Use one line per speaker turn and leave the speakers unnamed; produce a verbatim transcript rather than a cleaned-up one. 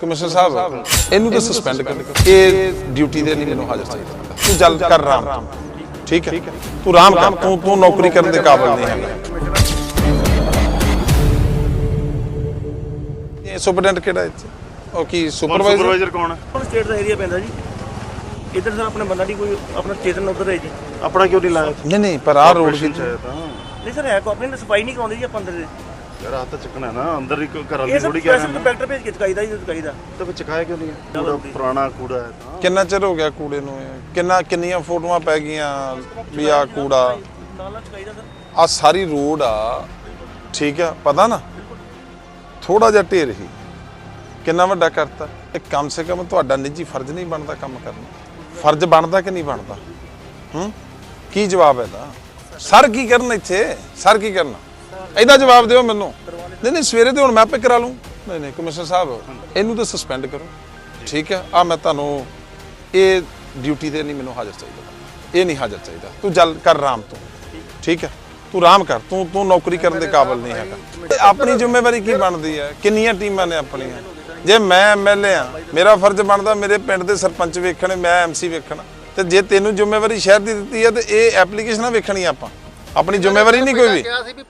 Commissioner साहब इनू तो सस्पेंड कर, ये ड्यूटी दे नहीं मैनू हाजिर चाहिए। तू जल कर राम, ठीक है तू राम कर, तू तू नौकरी करने के काबिल नहीं है। ये सुपरडेंट केड़ा इत्थे ओ की सुपरवाइजर
सुपरवाइजर कौन है?
स्टेट ਦਾ ਏਰੀਆ ਪੈਂਦਾ ਜੀ ਇਧਰ ਸਰ ਆਪਣੇ ਬੰਦਾ ਦੀ ਕੋਈ ਆਪਣਾ ਚੇਤਨ ਉਧਰ ਹੈ ਜੀ
अपना क्यों नहीं लाया?
नहीं नहीं पर आ रोड की
ਨਹੀਂ ਸਰ ਹੈ ਕੋ ਆਪਣੀ ਸਫਾਈ ਨਹੀਂ ਕਰਾਉਂਦੇ ਜੀ ਆਪਾਂ ਅੰਦਰ ਦੇ
यार हाथ चकना है ना, अंदर ही घर
ਇਹ
वाली
ਸਰ
थोड़ी कह रहे
ਸਪੈਸ਼ਲ
हैं
ਕੰਪੈਕਟਰ ਭੇਜ ਕੇ ਚਕਾਈਦਾ ਜੀ ਚਕਾਈਦਾ
तो फिर चकाया क्यों नहीं है? कूड़ा पुराना कूड़ा है तो
किन्ना चिर हो गया कूड़े नूं? किन्ना किन्नियां फोटोआं पै गईयां भी आ कूड़ा
ਨਾਲ ਨਾਲ ਚਕਾਈਦਾ ਸਰ
आ सारी रोड आ, ठीक है पता ना थोड़ा जिहा ढेर ही किन्ना वड्डा करता। कम से कम तुहाडा निजी फर्ज नहीं बनता काम करना? फर्ज बनता कि नहीं बनता? हूँ की जवाब है दा सर की करना इत्थे? सर की करना ਇਹਦਾ ਜਵਾਬ ਦਿਓ ਮੈਨੂੰ। ਨਹੀਂ ਨਹੀਂ ਸਵੇਰੇ ਤੇ ਹੁਣ ਮੈਂ ਆਪੇ ਕਰਾ ਲੂੰ। ਨਹੀਂ ਨਹੀਂ ਕਮਿਸ਼ਨਰ ਸਾਹਿਬ ਇਹਨੂੰ ਤਾਂ ਸਸਪੈਂਡ ਕਰੋ, ਠੀਕ ਹੈ। ਆ ਮੈਂ ਤੁਹਾਨੂੰ ਇਹ ਡਿਊਟੀ ਤੇ ਨਹੀਂ ਮੈਨੂੰ ਹਾਜ਼ਰ ਚਾਹੀਦਾ, ਇਹ ਨਹੀਂ ਹਾਜ਼ਰ ਚਾਹੀਦਾ। ਤੂੰ ਜਲ ਕਰ ਰਾਮ ਤੋਂ, ਠੀਕ ਹੈ ਤੂੰ ਰਾਮ ਕਰ, ਤੂੰ ਤੂੰ ਨੌਕਰੀ ਕਰਨ ਦੇ ਕਾਬਿਲ ਨਹੀਂ ਹੈਗਾ। ਤੇ ਆਪਣੀ ਜ਼ਿੰਮੇਵਾਰੀ ਕੀ ਬਣਦੀ ਹੈ? ਕਿੰਨੀਆਂ ਟੀਮਾਂ ਨੇ ਆਪਣੀਆਂ? ਜੇ ਮੈਂ ਐਮਐਲਏ ਆ ਮੇਰਾ ਫਰਜ਼ ਬਣਦਾ ਮੇਰੇ ਪਿੰਡ ਦੇ ਸਰਪੰਚ ਵੇਖਣੇ, ਮੈਂ ਐਮਸੀ ਵੇਖਣਾ। ਤੇ ਜੇ ਤੈਨੂੰ ਜ਼ਿੰਮੇਵਾਰੀ ਸ਼ਹਿਰ ਦੀ ਦਿੱਤੀ ਹੈ ਤੇ ਇਹ ਐਪਲੀਕੇਸ਼ਨਾਂ ਵੇਖਣੀ ਆਪਾਂ, ਆਪਣੀ ਜ਼ਿੰਮੇਵਾਰੀ ਨਹੀਂ ਕੋਈ ਵੀ।